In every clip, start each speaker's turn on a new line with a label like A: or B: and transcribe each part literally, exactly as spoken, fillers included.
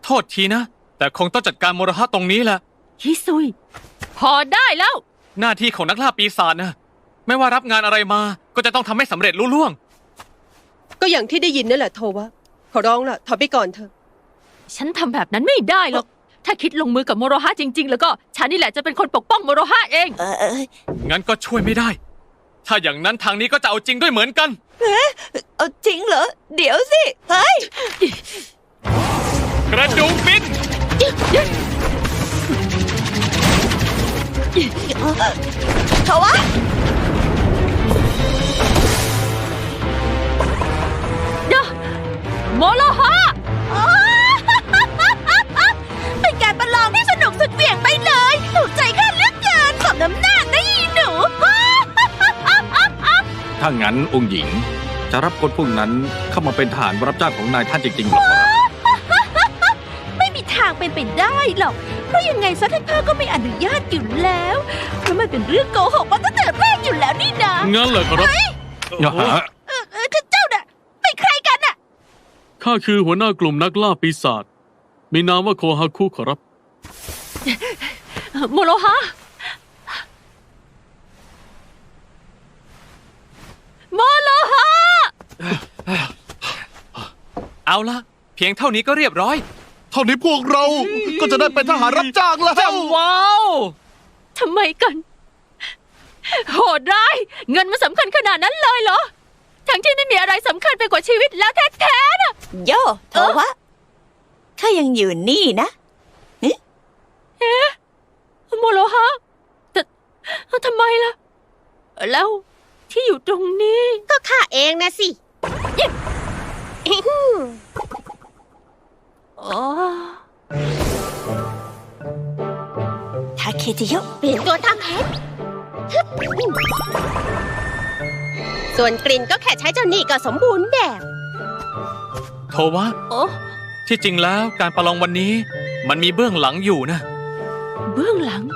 A: โทษทีนะ แต่คงต้องจัดการโมรหะตรงนี้แหละ
B: ฮิซุยพอได้แล้ว
A: หน้าที่ของนักล่าปีศาจนะไม่ว่ารับงานอะไรมาก็จะต้องทำให้สำเร็จลุล่วง
C: ก็อย่างที่ได้ยินนั่นแหละโทวะขอร้องล่ะถอยไปก่อนเถอะ
B: ฉันทำแบบนั้นไม่ได้หรอก ถ้าคิดลงมือกับโมโรฮะจริงๆแล้วก็ฉันนี่แหละจะเป็นคนปกป้องโมโรฮะเอง
D: เออเออ
A: งั้นก็ช่วยไม่ได้ ถ้าอย่างนั้นทางนี้ก็จะเอาจริงด้วยเหมือนกัน
D: เอาจริงเหรอ เดี๋ยวสิ เฮ้ย
A: กระดูกบิน
D: โทวะ
B: โมโรฮะ
D: เป็นการประลองที่สนุกสุดเหวี่ยงไปเลยถูกใจข้าเหลือเกินสมน้ำหน้านะอีหนู
E: ถ้างั้นองค์หญิงจะรับคนพวกนั้นเข้ามาเป็นทหารรับจ้างของนายท่านจริงๆหรอครับ
D: ไม่มีทางเป็นไปได้หรอก เพราะยังไงซะท่านพ่อก็ไม่อนุญาตอยู่แล้ว เพราะมันเป็นเรื่องโกหกมาตั้งแต่แรกอยู่แล้วนี่นะ
A: งั้นเลยครับ
E: อย่าหา
D: เออเออเจ้าน่ะเป็นใครกันน่ะ
F: ข้าคือหัวหน้ากลุ่มนักล่าปีศาจ มีนามว่าโคฮาคุขอรับ
B: โมโรฮะ โมโลฮะ
A: เอาละเพียงเท่านี้ก็เรียบร้อย
G: เท่านี้พวกเราก็จะได้เป็นทหารรับจ้างแล้ว
A: ว้าว
B: ทำไมกัน โหดร้าย เงินมันสำคัญขนาดนั้นเลยเหรอ ทั้งที่ไม่มีอะไรสำคัญไปกว่าชีวิตแล้วแท้ๆนะ
D: โยโทวะข้ายังอยู่นี่นะ
B: โมโลฮะแต่ทำไมล่ะ แล้วที่อยู่ตรงนี้
C: ก็ข้าเองนะสิ
B: อ๋อ
D: ทาเคจิโยะ
C: เปลี่ยนตัวทำเพชรฮึบส่วนกลิ่นก็แค่ใช้เจ้านี่ก็สมบูรณ์แบบ
A: โทวะ
B: โอ้
A: ที่จริงแล้วการประลองวันนี้ มันมีเบื้องหลังอยู่นะ
B: เบื้องหลัง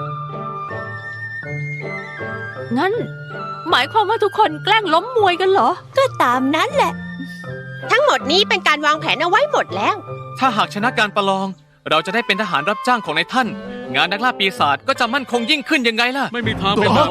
B: งั้น หมายความว่าทุกคนแกล้งล้มมวยกันเหรอ
D: ก็ตามนั้นแหละ
C: ทั้งหมดนี้เป็นการวางแผนเอาไว้หมดแล้ว
A: ถ้าหากชนะการประลอง เราจะได้เป็นทหารรับจ้างของนายท่าน งานนักล่าปีศาจก็จะมั่นคงยิ่งขึ้นยังไงล่ะ
F: ไม่มีทางเป็นแบบ